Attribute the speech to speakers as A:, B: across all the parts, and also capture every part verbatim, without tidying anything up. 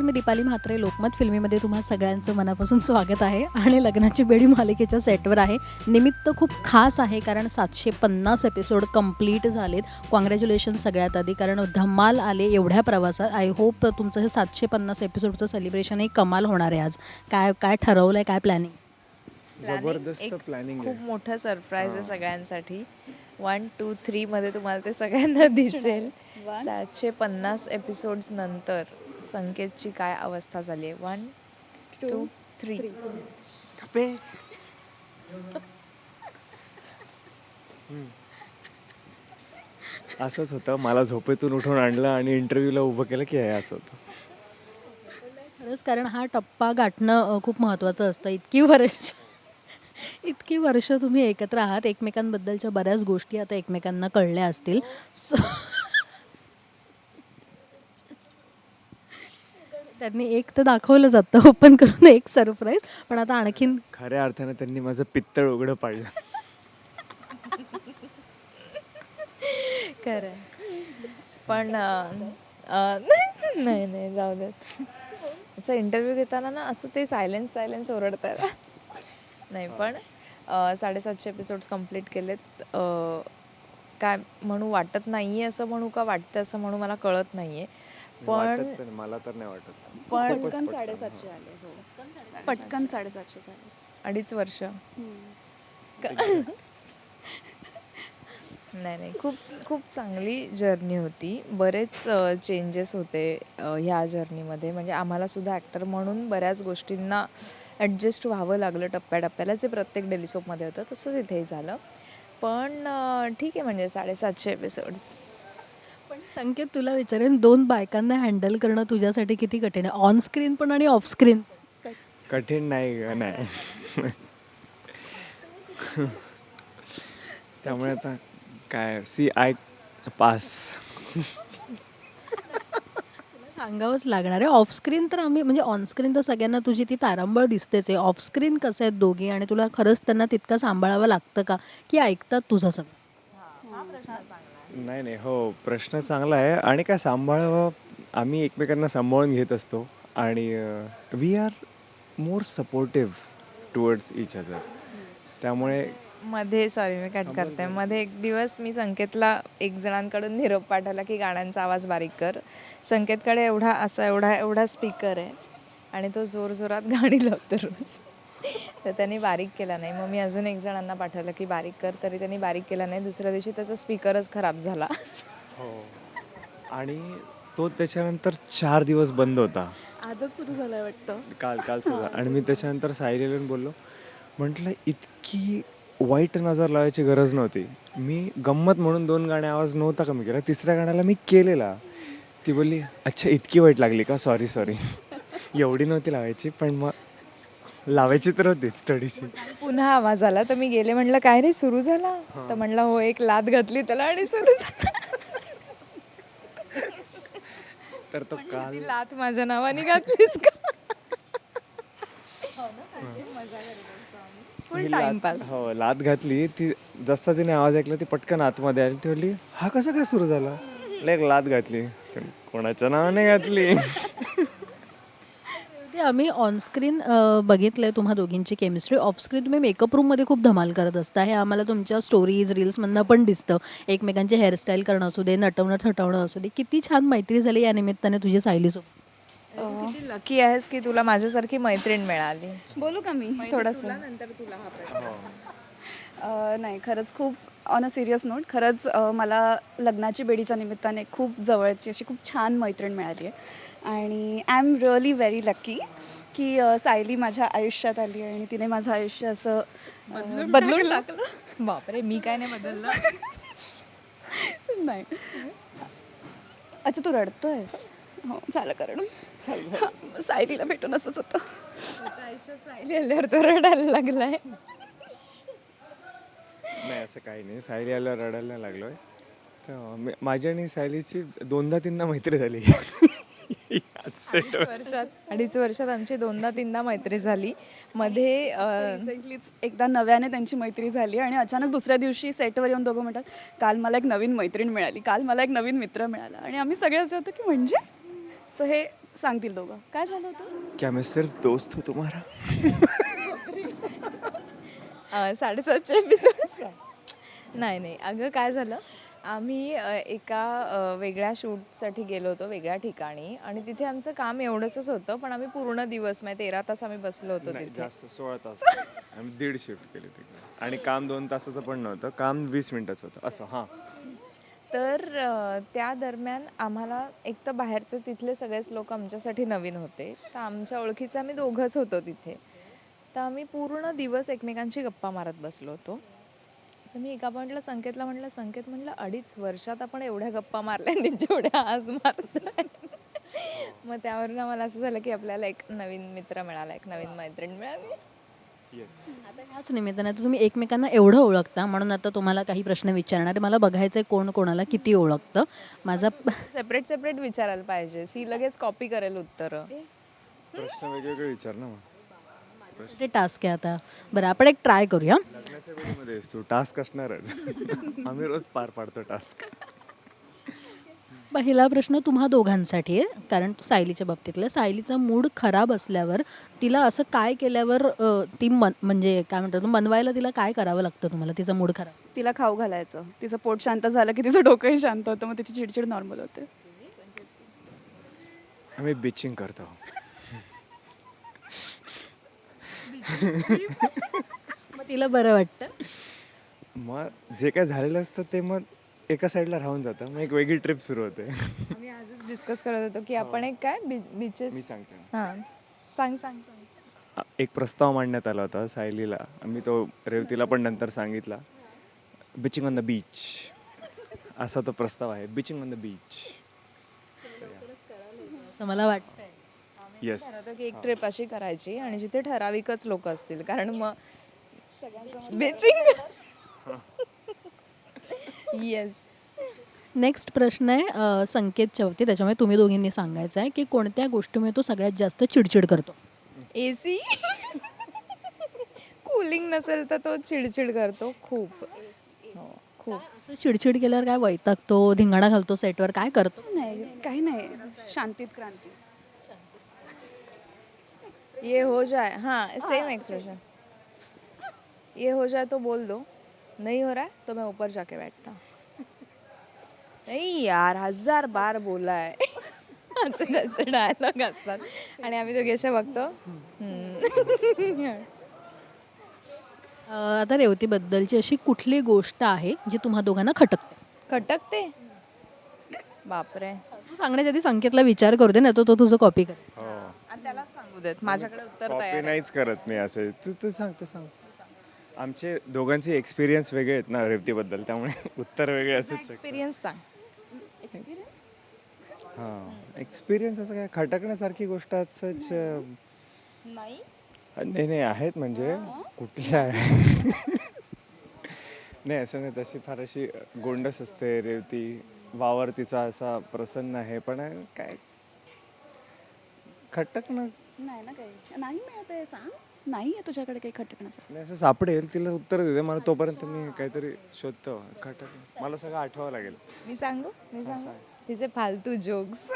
A: मी दीपाली म्हात्रे. लोकमत फिल्मीमध्ये तुम्हा सगळ्यांचं मनापासून स्वागत आहे. आणि लग्नाची बेडी मालिकेच्या सेटवर आहे. निमित्त खूप खास आहे कारण सातशे पन्नास एपिसोड कंप्लीट झालेत. कॉंग्रॅच्युलेशन सगळ्यात आधी, कारण धमाल आले एवढ्या प्रवासात. आय होप तुमचं हे सातशे पन्नास एपिसोडचं सेलिब्रेशनही कमाल होणार आहे आज. काय काय ठरवलं आहे, काय प्लॅनिंग?
B: जबरदस्त प्लॅनिंग आहे.
C: खूप मोठं सरप्राईज आहे सगळ्यांसाठी. वन टू थ्री मध्ये तुम्हाला ते सगळ्यांना दिसेल. सातशे पन्नास एपिसोड्स नंतर संकेतची काय अवस्था झाली आहे. वन टू थ्री
B: असंच होतं. मला झोपेतून उठून आणलं आणि इंटरव्ह्यूला उभं केलं की हे असं होतं.
A: खरंच, कारण हा टप्पा गाठणं अ, खूप महत्त्वाचं असतं. इतकी वर्ष इतकी वर्ष तुम्ही एकत्र आहात, एकमेकांबद्दलच्या बऱ्याच गोष्टी आता एकमेकांना कळल्या असतील. सो त्यांनी एक तर दाखवलं जातं ओपन करून एक सरप्राईज, पण आता आणखीन
B: खऱ्या अर्थाने त्यांनी माझं पित्तळ उघडं पाडलं.
C: खरं पण अं, अं, नाही नाही जाऊ देत. असं इंटरव्ह्यू घेताना ना असं ते सायलेन्स सायलेन्स ओरडतात. नाही पण अं, साडेसातशे एपिसोड्स कंप्लीट केलेत. अं, काय म्हणू वाटत नाही आहे असं म्हणू का वाटतं असं म्हणू मला कळत नाही आहे. पण
B: वाटत पण मला तर नाही वाटत.
C: पण
B: खूपच
D: पटकन
B: पटकन.
D: साडेसातशे आले. हो पटकन साडेसातशे झाले.
C: अडीच वर्ष नाही नाही खूप खूप चांगली जर्नी होती. बरेच चेंजेस होते अ, ह्या जर्नीमध्ये. म्हणजे आम्हाला सुद्धा ॲक्टर म्हणून बऱ्याच गोष्टींना ॲडजस्ट व्हावं लागलं टप्प्याटप्प्याला. जे प्रत्येक डेली सोपमध्ये होतं तसंच इथेही झालं. पण अ, ठीक आहे म्हणजे साडेसातशे एपिसोड्स.
A: पण संकेत, तुला विचारेन, दोन बायकांना हँडल करणं तुझ्यासाठी किती कठीण आहे, ऑन स्क्रीन पण आणि ऑफ स्क्रीन पण?
B: कठीण नाही ग, नाही. त्यामुळे आता काय सी आय पास.
A: सांगावंच लागणार आहे. ऑफ स्क्रीन तर आम्ही, म्हणजे ऑन स्क्रीन तर सगळ्यांना तुझी ती तारांबळ दिसतेच आहे. ऑफ स्क्रीन कसं आहेत दोघी, आणि तुला खरंच त्यांना तितकं सांभाळावं लागतं का, की ऐकतात तुझं सगळं?
B: नाही नाही हो, प्रश्न चांगला आहे. आणि काय सांभाळावं, आम्ही एकमेकांना सांभाळून घेत असतो. आणि we are more supportive towards each other. त्यामुळे
C: मध्ये सॉरी मी कट करते. मध्ये एक दिवस मी संकेतला एक जणांकडून निरोप पाठवला की गाण्यांचा आवाज बारीक कर. संकेतकडे एवढा असा एवढा एवढा स्पीकर आहे आणि तो जोरजोरात गाणी लावतो रोज. तर त्यांनी बारीक केला नाही. मग मी अजून एक जणांना पाठवलं की बारीक कर, तरी त्यांनी बारीक केला नाही. दुसऱ्या दिवशी त्याचा स्पीकरच खराब झाला.
B: हो, आणि तो त्याच्यानंतर चार दिवस बंद होता.
D: आजच सुरू झालंय वाटतं.
B: काल काल सुद्धा. आणि मी त्याच्यानंतर सायलीला बोललो, म्हटलं इतकी वाईट नजर लावायची गरज नव्हती. मी गंमत म्हणून दोन गाणे आवाज नव्हता कमी केला, तिसऱ्या गाण्याला मी केलेला. ती बोलली, अच्छा इतकी वाईट लागली का, सॉरी सॉरी. एवढी नव्हती लावायची, पण मग लावायची तर होतीच थोडीशी.
C: पुन्हा आवाज आला तर मी गेले, म्हटलं काय रे सुरू झाला? तर म्हणला हो, एक लात घातली त्याला आणि सुरू झाला.
B: तर तो काल
C: ती लात माझ्या नावाने घातलीस का? फुल
B: मी लात-
C: टाइमपास.
B: हो, लात घातली. ती जसा तिने आवाज ऐकला ती पटकन आतमध्ये आली. ती बोलली, हा कसा काय सुरू झाला? एक लात घातली. कोणाच्या नावाने घातली?
A: ते आम्ही ऑनस्क्रीन बघितलं आहे तुम्हा दोघींची केमिस्ट्री. ऑफस्क्रीन तुम्ही मेकअप रूममध्ये खूप धमाल करत असता. हे आम्हाला तुमच्या स्टोरीज रील्समधनं पण दिसतं. एकमेकांचे हेअरस्टाईल करणं असू दे, नटवणं थटवणं असू दे. किती छान मैत्री झाली या निमित्ताने तुझी सायलीसोबत.
C: किती लकी आहेस की तुला माझ्यासारखी मैत्रीण मिळाली.
D: बोलू का मी
C: थोडंसं
D: नंतर तुला हा प्रश्न. अ, नाही खरंच खूप ऑन अ सिरियस नोट, खरंच अ, मला लग्नाची बेडीच्या निमित्ताने खूप जवळची अशी खूप छान मैत्रीण मिळाली आहे. आणि I am really very lucky की अ, सायली माझ्या आयुष्यात आली आणि तिने माझं आयुष्य असं अ, बदलून टाकलं.
C: बापरे, मी काय नाही बदललं.
D: नाही, अच्छा तू रडतोयस? हो झालं, कारण हां, सायलीला भेटून असंच होतं.
C: सायली आल्यावर तो रडायला लागलाय.
B: नाही असं काही नाही. सायली आल्यावर रडायला नाही लागलोय. तर मी- माझी आणि सायलीची दोनदा तीनदा मैत्री झाली. याच सेटवर.
C: वर्षात अडीच वर्षात आमची दोनदा तीनदा मैत्री झाली. मध्ये अ,
D: रिसेंटलीच एकदा नव्याने त्यांची मैत्री झाली आणि अचानक दुसऱ्या दिवशी सेटवर येऊन दोघं म्हणतात, काल मला एक नवीन मैत्रीण मिळाली, काल मला एक नवीन मित्र मिळाला. आणि आम्ही सगळे असं होतं की म्हणजे सो हे सांगतील दोघं. काय झालं होतं?
B: क्या मैं सिर्फ दोस्त हूँ तुम्हारा?
C: अ, साडेसातचे एपिसोड नाही नाही अगं काय झालं आम्ही अ, एका अ, वेगळ्या शूटसाठी गेलो होतो वेगळ्या ठिकाणी आणि तिथे आमचं काम एवढंच होतं पण आम्ही पूर्ण दिवस म्हणजे तेरा तास आम्ही बसलो होतो
B: नाही,
C: तिथे
B: जास्त सोळा तास आम्ही दीड शिफ्ट केली तिकडे आणि काम दोन तासाचं पण नव्हतं, काम वीस मिनिटाचं होतं असं. हां,
C: तर अ, त्या दरम्यान आम्हाला एक तर बाहेरचे तिथले सगळेच लोक आमच्यासाठी नवीन होते तर आमच्या ओळखीचे आम्ही दोघंच होतो तिथे तर आम्ही पूर्ण दिवस एकमेकांशी गप्पा मारत बसलो होतो. तर मी एका पॉईंटला संकेतला म्हटलं संकेत म्हटलं अडीच वर्षात आपण एवढ्या गप्पा मारल्या आणि जेवढ्या आज मारतोय मग त्यावरून मला असं झालं की आपल्याला एक नवीन मित्र मिळाला एक नवीन मैत्रीण मिळाली.
B: येस.
A: आता ह्याच निमित्ताने आता तुम्ही एकमेकांना एवढं ओळखता म्हणून आता तुम्हाला काही प्रश्न विचारणार आहे. मला बघायचं आहे कोण कोणाला किती ओळखतं. माझा
C: सेपरेट सेपरेट विचारायला पाहिजे ही लगेच कॉपी करेल उत्तरं.
B: प्रश्न वेगवेगळे विचार ना मग.
A: ते टास्क आहे आता. बरं आपण एक ट्राय करूया.
B: लग्नाच्या वेळेमध्ये तू टास्क असणारच. आम्ही रोज पार पाडतो टास्क.
A: पहिला प्रश्न तुम्हा दोघांसाठी आहे कारण सायलीच्या बाबतीतला. सायलीचा मूड खराब असल्यावर तिला असं काय केल्यावर अ, ती मन म्हणजे काय म्हणतात मनवायला तिला काय करावं लागतं तुम्हाला तिचा मूड खराब?
D: तिला खाऊ घालायचं. तिचं पोट शांत झालं की तिचं डोकंही शांत होतं, मग तिची चिडचिड नॉर्मल होते.
B: आम्ही बिचिंग करतो.
A: मग तिला बरं वाटतं.
B: मग जे काय झालेलं असतं ते मग एका साईडला राहून जातं, मग एक वेगळी ट्रिप सुरू होते.
C: आम्ही आजच डिस्कस करत होतो की आपण एक काय बीचेस
B: मी सांगते.
C: हां सांग सांग सांग.
B: एक प्रस्ताव मांडण्यात आला होता सायलीला, आम्ही तो रेवतीला पण नंतर सांगितला. बिचिंग ऑन द बीच असा तो प्रस्ताव आहे. Bitching on the beach.
A: असं मला वाटतंय.
B: येस.
C: ठरवतो की एक ट्रिप अशी करायची आणि जिथे ठराविकच लोक असतील कारण मग बीचिंग येस.
A: नेक्स्ट प्रश्न आहे अ, संकेतच्या बाबतीत. त्याच्यामुळे तुम्ही दोघींनी सांगायचं आहे की कोणत्या गोष्टीमुळे तो सगळ्यात जास्त चिडचिड करतो?
C: ए सी कूलिंग नसेल तर तो चिडचिड करतो खूप. हो खूप.
A: असं चिडचिड केल्यावर काय वैतागतो, धिंगाणा घालतो सेटवर, काय करतो?
D: नाही, काही नाही. शांतीत क्रांती.
C: ये हो जाए हाँ सेम एक्सप्रेशन. ये हो जाए तो बोल दो नहीं हो रहा है तो मैं ऊपर जाके बैठता हूँ. नाही यार हजार बार बोला आहे असे त्याचे डायलॉग असतात आणि आम्ही दोघे असे बघतो. हम्म.
A: अ, आता रेवतीबद्दलची अशी कुठली गोष्ट आहे जी तुम्हा दोघांना खटकते?
C: खटकते बापरे.
A: तू सांगण्याच्या आधी संकेतला विचार करू दे ना, तो तो तुझं कॉपी कर.
B: हो.
C: आणि त्यालाच सांगू देत माझ्याकडे उत्तर
B: कॉपी
C: तयार आहे.
B: नाहीच करत मी असे. तू तू सांग तू सांग. आमचे दोघांचे एक्सपिरियन्स वेगळे आहेत ना रेवतीबद्दल, त्यामुळे उत्तर वेगळे असंच.
C: एक्सपिरियन्स सांग.
B: हां, एक्सपिरियन्स असं काय खटकण्यासारखी गोष्ट असंच अं,
C: नाही
B: नाही नाही आहेत म्हणजे कुठल्या आहे. नाही असं नाही, तशी फार अशी गोंडस असते रेवती. वावर तिचा असा प्रसन्न आहे, पण काय खटकणं
D: नाही ना काही. नाही मिळत आहे सांग. नाही आहे तुझ्याकडे काही खटकण्याचं.
B: नाही, असं सापडेल तिला उत्तर देते मला, तोपर्यंत मी काहीतरी शोधतो. खटक मला सगळं आठवावं लागेल.
C: मी सांगू मी सांगू
B: सांग.
C: तिचे फालतू जोक्स.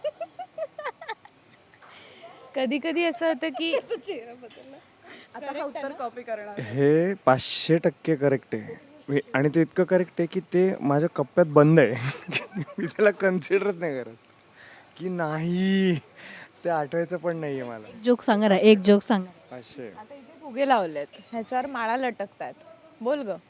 C: कधी कधी असं होतं की
D: आता हा उत्तर कॉपी करणार.
B: हे पाचशे टक्के करेक्ट आहे हे- आणि ते इतकं करेक्ट आहे की ते माझ्या कप्प्यात बंद आहे. मी त्याला कन्सिडरच नाही करत की नाही, ते आठवायचं पण नाही आहे मला.
A: एक जोक सांगा ना, एक जोक सांगा.
B: पाचशे.
C: आता इथे फुगे लावलेत ह्याच्यावर माळा लटकतात. बोल ग.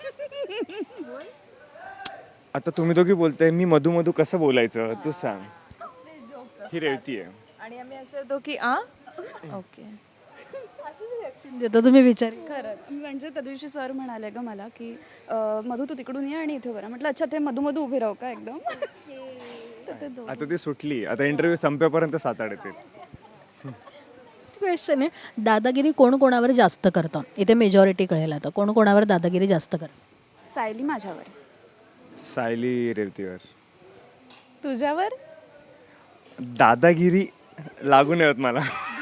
B: आता तुम्ही दोघी बोलताय, मी मधू मधू कसं बोलायचं तू सांग. ही रेवती आहे.
C: आणि आम्ही असं होतो की आ ओके
A: देतो तुम्ही विचार.
C: खरंच.
D: म्हणजे त्या दिवशी सर म्हणाले ग मला की अं, मधू तू तिकडून ये आणि इथे बरं. म्हटलं अच्छा ते मधू मधू उभे राहू का एकदम. तर ते दोघं.
B: आता ती सुटली, आता इंटरव्ह्यू संपेपर्यंत सात आठ येते.
A: क्वेश्चन आहे, दादागिरी कोण कोणावर जास्त करतं? इथे मेजॉरिटी कळेल आता. कोण कोणावर दादागिरी जास्त करतं?
D: सायली माझ्यावर.
B: सायली रेवतीवर.
C: तुझ्यावर
B: दादागिरी लागू नये होत मला.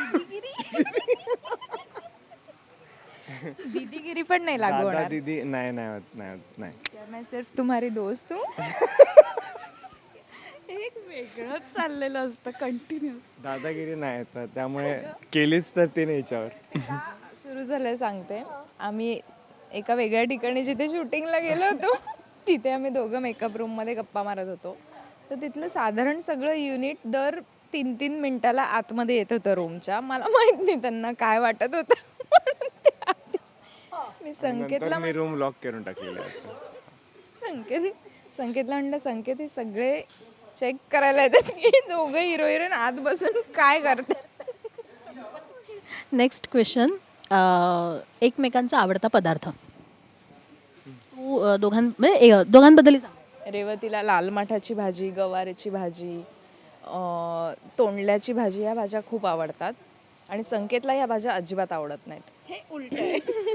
C: दीदीगिरी पण नाही लागू
B: दादा
C: होणार.
B: दीदी नाही नाही होत, नाही होत, नाही.
C: यार मैं सिर्फ तुम्हारी दोस्त हूँ.
D: एक वेगळंच चाललेलं असतं कंटिन्युअस.
B: दादागिरी नाही येतात त्यामुळे केलीच तर तिने हिच्यावर.
C: सुरू झालंय सांगते. आम्ही एका वेगळ्या ठिकाणी जिथे शूटिंगला गेलो होतो तिथे आम्ही दोघं मेकअप रूममध्ये गप्पा मारत होतो. तर तिथलं साधारण सगळं युनिट दर तीन तीन मिनिटाला आतमध्ये येत होतं रूमच्या. मला माहित नाही त्यांना काय वाटत होतं म्हणून ते आत- मी
B: नंतर
C: संकेतला
B: मी रूम लॉक करून टाकलेलं आहे.
C: संकेत संकेतला म्हणलं संकेत हे सगळे चेक करायला येतात की दोघं हिरो हिरोईन आत बसून काय करतात.
A: नेक्स्ट क्वेश्चन, एकमेकांचा आवडता पदार्थ. तू अ, दोघां म्हणजे ए- दोघांबद्दलही सांग.
C: रेवतीला लाल माठाची भाजी, गवारीची भाजी, अं, तोंडल्याची भाजी या भाज्या खूप आवडतात आणि संकेतला या भाज्या अजिबात आवडत नाहीत.
D: हे उलट आहे.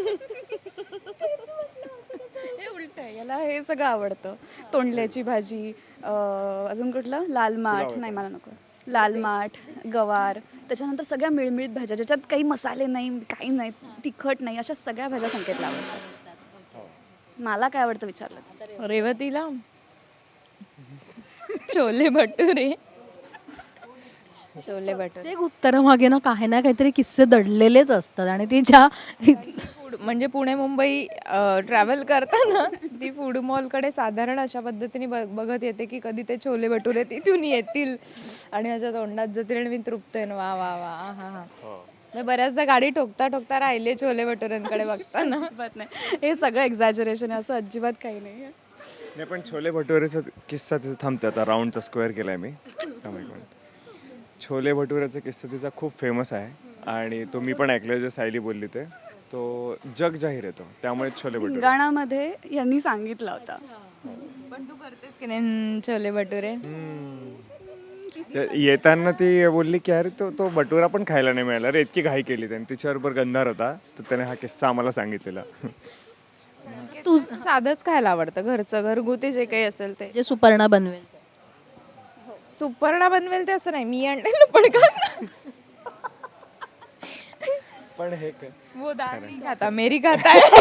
D: हे उलट आहे. याला हे सगळं आवडतं. तोंडल्याची भाजी, अं, अजून कुठलं लाल माठ, नाही मला नको. लाल माठ, गवार, त्याच्यानंतर सगळ्या मिळमिळीत भाज्या ज्याच्यात काही मसाले नाही, काही नाही, तिखट नाही, अशा सगळ्या भाज्या संकेतला आवडतात. मला काय आवडतं विचारलं.
C: रेवतीला छोले भटुरे. छोले भटुरे
A: प्रत्येक उत्तरामागे ना काही ना काहीतरी किस्से दडलेलेच असतात आणि ती ज्या
C: फूड म्हणजे पुणे मुंबई ट्रॅव्हल करताना ती फूड मॉलकडे साधारण अशा पद्धतीने ब- बघत येते की कधी ते छोले भटुरे तिथून येतील आणि माझ्या तोंडात जातील आणि मी तृप्त आहे. वा वा वा हा हा मी बऱ्याचदा गाडी ठोकता ठोकता राहिले छोले भटुऱ्यांकडे बघताना.
D: अजिबात नाही, हे सगळं एक्झॅजरेशन आहे, असं अजिबात काही नाही आहे.
B: नाही पण छोले भटुरेचा किस्सा तिचा थांबते आता. राऊंडचा स्क्वेअर केलाय मी. थांब एक मिनिट. छोले भटुरेचा किस्सा तिचा खूप फेमस आहे आणि तो मी पण ऐकलं जे सायली बोलली ते. तो जग जाहीर येतो त्यामुळे छोले भटुरे.
D: गाण्यामध्ये यांनी सांगितला होता.
C: पण तू करतेस की नाही हम्म, छोले भटुरे.
B: ते येताना ती बोलली की अरे तो तो भटुरा पण खायला नाही मिळाला रे, इतकी घाई केली त्याने. तिच्याबरोबर गंधार होता तर त्याने हा किस्सा आम्हाला सांगितलेला.
A: तू
C: साधंच खायला आवडतं, घरचं घरगुती जे काही असेल ते.
A: जे सुपर्णा बनवेल.
C: सुपर्णा बनवेल ते असं नाही, मी आणलेलं पण का
B: पण हे काय
C: वो दाल नहीं खाता मेरी खाता है.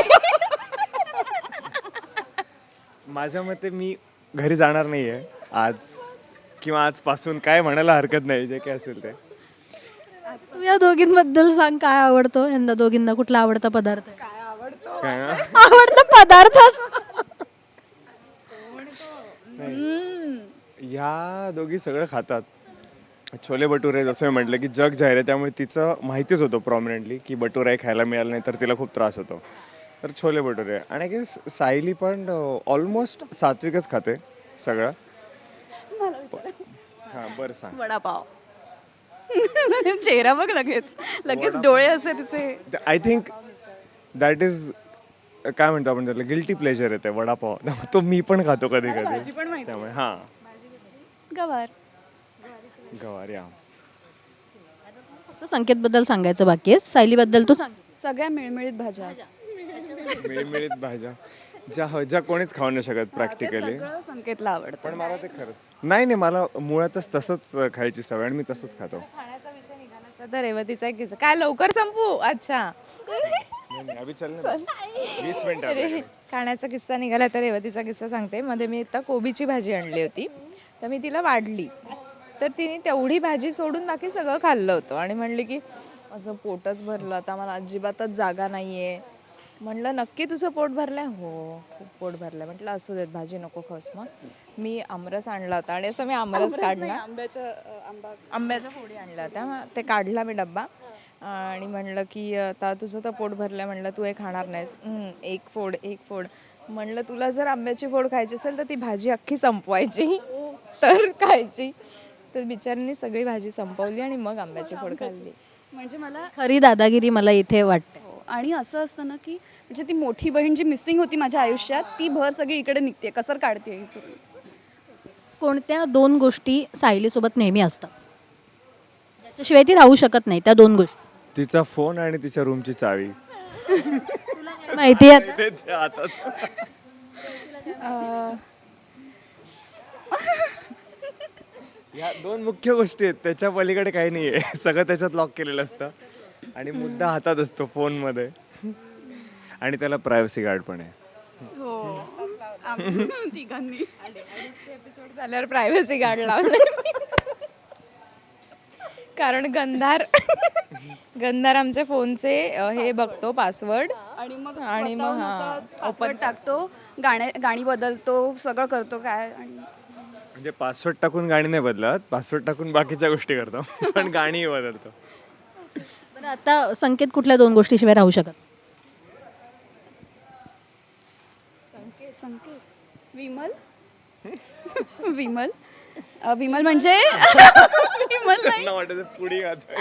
B: माझ्या मते मी घरी जाणार नाहीये आज किंवा आजपासून. काय म्हणायला हरकत नाही जे काय असेल ते.
A: तू या दोघींबद्दल सांग, काय आवडतो यांना दोघींना, कुठला आवडता पदार्थ आहे?
B: काय ना?
A: आवडता पदार्थ
B: ह्या दोघी सगळं खातात. छोले भटुरे जसं मी म्हटलं की जग जाहीर आहे त्यामुळे तिचं माहितीच होतं प्रॉमिनंटली की भटुरा खायला मिळालं नाही तर तिला खूप त्रास होतो. तर छोले भटुरे. आणि की सायली पण ऑलमोस्ट सात्विकच खाते सगळं. हां बरं सांग.
D: वडापाव. चेहरा बघ, लगेच लगेच डोळे असे तिचे.
B: आय थिंक दॅट इज काय म्हणतो आपण त्याला, गिल्टी प्लेजर येते वडापाव. तो मी पण खातो कधी
D: भाजी
B: कधी
D: पण माहिती.
B: त्यामुळे हां
D: गवार.
B: गवार या.
A: फक्त संकेत बद्दल सांगायचं बाकी आहे. सायली बद्दल तू सांग.
D: सगळ्या मिळमिळीत भाज्या.
B: मिळमिळीत भाज्या ज्या ज्या कोणीच खाऊ नाही शकत
D: ते
B: प्रॅक्टिकली.
D: सगळं संकेतला आवडतं.
B: पण मला ते खरंच नाही नाही मला मुळातच तसंच खायची सवय आणि मी तसंच खातो.
C: खाण्याचा विषय निघालाचा तर रेवतीचा एक किस्सा. काय लवकर संपू. अच्छा
B: नाही, नाही, अभि चल ना. वीस मिनिटं
C: अरे
B: आपल्याकडे.
C: खाण्याचा किस्सा निघाला तर रेवतीचा किस्सा सांगते. मध्ये मी आता कोबीची भाजी आणली होती तर मी तिला वाढली तर तिने तेवढी भाजी सोडून बाकी सगळं खाल्लं होतं आणि म्हणली की असं पोटच भरलं, आता मला अजिबातच जागा नाही आहे. म्हणलं नक्की तुझं पोट भरलं आहे? हो खूप पोट भरलं आहे. म्हटलं असू देत भाजी नको खाऊस. मग मी आमरस आणला होता आणि असं मी आमरस काढला.
D: आंब्याच्या अं, आंबा
C: आंब्याच्या फोडी आणल्या होत्या. मग ते काढला मी डब्बा आणि म्हणलं की आता तुझं तर पोट भरलं आहे. म्हणलं तू हे खाणार नाहीस. "हं, एक फोड एक फोड." म्हणलं तुला जर आंब्याची फोड खायची असेल तर ती भाजी अख्खी संपवायची तर खायची. तर बिचारीने सगळी भाजी संपवली आणि मग आंब्याची फोड खाल्ली.
D: म्हणजे मला
A: खरी दादागिरी मला इथे वाटते.
D: हो, आणि असं असतं ना की म्हणजे ती मोठी बहीण जी मिसिंग होती माझ्या आयुष्यात, ती भर सगळी इकडे निघते, कसर काढते.
A: कोणत्या दोन गोष्टी सायलीसोबत नेहमी असतात त्याच्याशिवाय ती राहू शकत नाही? त्या दोन गोष्टी
B: तिचा फोन आणि तिच्या रूमची चावी.
A: माहिती आहे आता?
B: तेच आहे हातात.
D: अं,
B: ह्या दोन मुख्य गोष्टी आहेत. त्याच्या पलीकडे काही नाही आहे. सगळं त्याच्यात लॉक केलेलं असतं आणि मुद्दा हातात असतो फोनमध्ये आणि त्याला प्रायव्हसी गार्ड पण आहे.
D: हो आम्ही तिघांनी
C: एपिसोड झाल्यावर प्रायव्हसी गार्ड लावले कारण गंधार गंधार आमच्या फोनचे अ, हे बघतो पासवर्ड
D: आणि मग
C: आणि मग
D: स्वतःहून
C: हा,
D: असा password टाकतो, गाणे गाणी बदलतो, सगळं करतो काय. आणि
B: म्हणजे पासवर्ड टाकून गाणी नाही बदलत, पासवर्ड टाकून बाकीच्या गोष्टी करतो पण गाणीही बदलतो.
A: बरं आता संकेत कुठल्या दोन गोष्टीशिवाय राहू शकत?
D: संकेत विमल विमल अ, विमल म्हणजे विमल नाही,
B: त्यांना वाटायचं पुढे गातोय.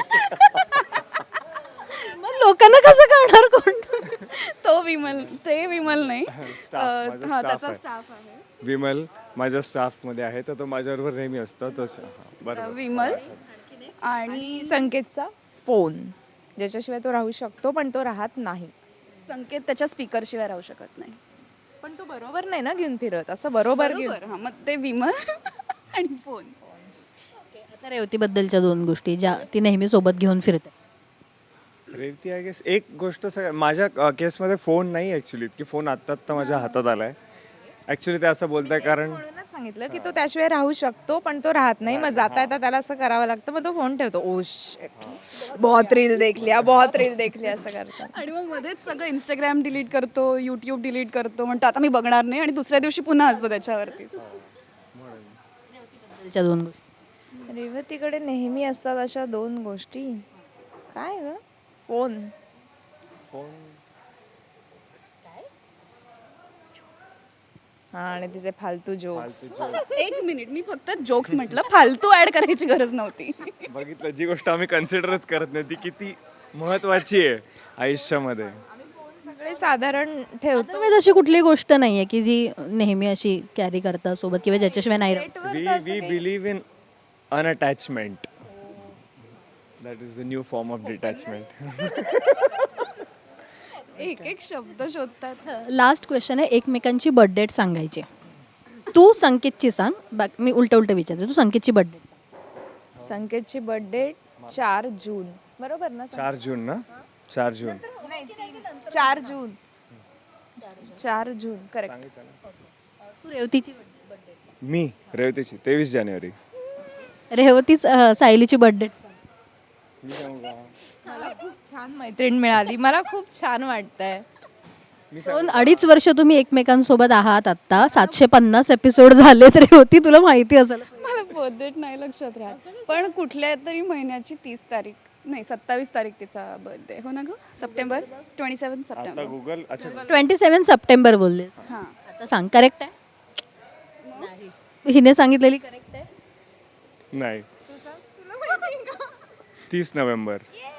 A: मग लोकांना कसं कळणार कोण?
D: तो विमल, ते विमल नाही.
B: Staff,
D: अ,
B: माझा
D: हा,
B: staff
D: त्याचा
B: आहे.
D: स्टाफ आहे.
B: विमल माझ्या स्टाफमध्ये आहे तर तो माझ्याबरोबर नेहमी असतो. तो हा,
D: अ,
B: बरोबर.
D: विमल आणि
C: संकेतचा फोन ज्याच्याशिवाय तो राहू शकतो पण तो राहत नाही.
D: संकेत त्याच्या स्पीकरशिवाय राहू शकत नाही.
C: पण तो बरोबर नाही ना घेऊन फिरत असं बरोबर घेऊन
D: बरोबर, हा, मग ते विमल आणि फोन.
A: आता रेवतीबद्दलच्या दोन गोष्टी ज्या ती नेहमी सोबत घेऊन फिरते.
B: रेवती आय गेस एक गोष्ट सगळ्या माझ्या अ, केसमध्ये फोन नाही ॲक्च्युली, की फोन आत्ता आत्ता माझ्या हातात आलाय. ॲक्च्युली ते असं बोलताय कारण
C: म्हणूनच सांगितलं की तो त्याशिवाय राहू शकतो पण तो राहत नाही. मग जाता येता त्याला असं करावं लागतं मग तो फोन ठेवतो. ओ शिट बहुत रील देख लिया बहुत रील देख लिया असं करतात.
D: आणि मग मध्येच सगळं इंस्टाग्राम डिलीट करतो, यूट्यूब डिलीट करतो, म्हणतो आता मी बघणार नाही, आणि दुसऱ्या दिवशी पुन्हा असतो त्याच्यावरतीच.
A: रेवतीबद्दलच्या दोन गोष्टी.
C: रेवतीकडे नेहमी असतात अशा दोन गोष्टी. काय ग? फोन.
B: फोन
C: हा आणि तिचे फालतू जोक्स.
D: एक मिनिट, मी फक्त जोक्स म्हटलं, फालतू ऍड करायची गरज नव्हती.
B: बघितलं, जी गोष्ट आम्ही कन्सिडरच करत नाही ती किती महत्वाची आहे आयुष्यामध्ये.
C: सगळे साधारण ठेवतो.
A: अदरवाईज अशी कुठली गोष्ट नाहीये की जी नेहमी अशी कॅरी करता सोबत किंवा ज्याच्याशिवाय नाही राहत.
B: We we believe in unattachment. That is the new form of detachment.
D: एक एक शब्द शोधतात.
A: लास्ट क्वेश्चन आहे, एकमेकांची बर्थडेट सांगायची. तू संकेतची सांग, बाकी मी उलट उलट विचारते. तू संकेतची बर्थडे.
C: संकेतची बर्थडे चार जून बरोबर ना?
B: चार जून ना? चार जून
C: चार जून चार जून करेक्ट.
B: सांगितलं ना.
A: तू रेवतीची बर्थडे.
B: मी रेवतीची तेवीस जानेवारी.
A: रेवती अं, सायलीची बर्थडे.
B: मी सांगू का?
C: मला खूप छान मैत्रीण मिळाली. मला खूप छान वाटतंय.
B: मी
A: दोन अडीच वर्ष तुम्ही एकमेकांसोबत आहात. आता सातशे पन्नास एपिसोड झाले तरी होती, तुला माहिती असेल.
D: मला बर्थडेट नाही लक्षात राहत, पण कुठल्या तरी महिन्याची तीस तारीख नाही सत्तावीस तारीख तिचा बर्थडे. हो ना ग? सप्टेंबर ट्वेंटी सेवन
B: आता
D: सप्टेंबर.
B: गुगल अच्छा
A: ट्वेंटी सेवन सप्टेंबर बोलले.
D: हां,
A: आता सांग, करेक्ट आहे? हिने सांगितलेली करेक्ट आहे?
B: नाही, तीस नोव्हेंबर.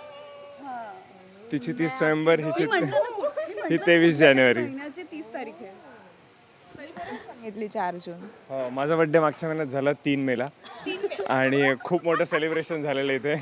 B: तिची तीस नोव्हेंबर, हिची ही तेवीस जानेवारी.
D: महिन्याची तीस तारीख आहे.
C: सांगितली चार जून.
B: हो, माझा बर्थडे मागच्या महिन्यात झाला तीन मेला आणि खूप मोठं सेलिब्रेशन झालेलं इथे.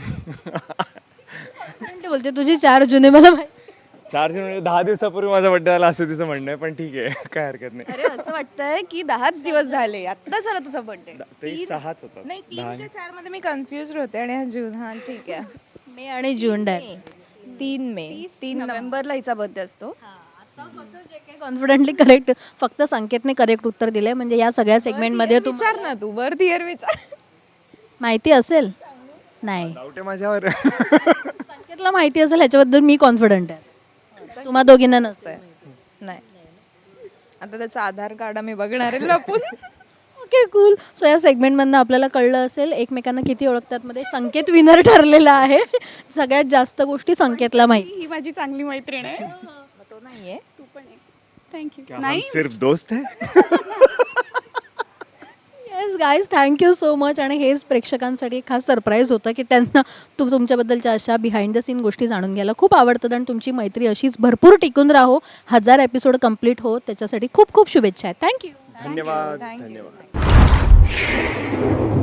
A: पण ते बोलते तुझी चार जुने मला माहिती.
B: चार जून म्हणजे दहा दिवसापूर्वी माझा बर्थडे झाला असं तिचं म्हणणं आहे, पण ठीक आहे, काय हरकत नाही.
D: अरे असं वाटतंय की दहाच दिवस झाले, आत्ता झाला तुझा बर्थडे.
B: ते सहाच होतात.
C: नाही तीन का चार मध्ये मी कन्फ्युज होते आणि हा जून. हा ठीक आहे.
A: मे आणि जून डायरेक्ट.
C: तीन मे तीन
D: नोव्हेंबरला हिचा बर्थडे असतो.
A: Confidently correct. फक्त संकेतने करेक्ट उत्तर दिले, म्हणजे या सगळ्या सेगमेंटमध्ये तू
C: विचार ना तू बर्थ इयर विचार.
A: माहिती असेल. नाही,
B: डाऊट आहे माझ्यावर.
A: संकेतला माहिती असेल ह्याच्याबद्दल मी कॉन्फिडंट आहे. तुम्हा दोघींना नसेल.
C: नाही आता त्याचं आधार कार्ड आम्ही बघणार आहे लपून.
A: Okay cool. सो या सेगमेंटमधनं आपल्याला कळलं असेल एकमेकांना किती ओळखतात. मध्ये संकेत विनर ठरलेला आहे. सगळ्यात जास्त गोष्टी संकेतला माहिती.
D: ही माझी चांगली मैत्रीण आहे.
C: तो नाहीये.
D: तू पण एक. थँक्यू.
B: क्या हम सिर्फ दोस्त है?
A: Yes guys, thank you so much. आणि हेच प्रेक्षकांसाठी एक खास सरप्राईज होतं की त्यांना तू तुमच्याबद्दलच्या अशा बिहाइंड द सीन गोष्टी जाणून घ्यायला खूप आवडतात आणि तुमची मैत्री अशीच भरपूर टिकून राहो, हजार एपिसोड कंप्लीट हो, त्याच्यासाठी खूप खूप शुभेच्छा आहेत. थँक्यू.
B: धन्यवाद
C: Thank you.
B: धन्यवाद.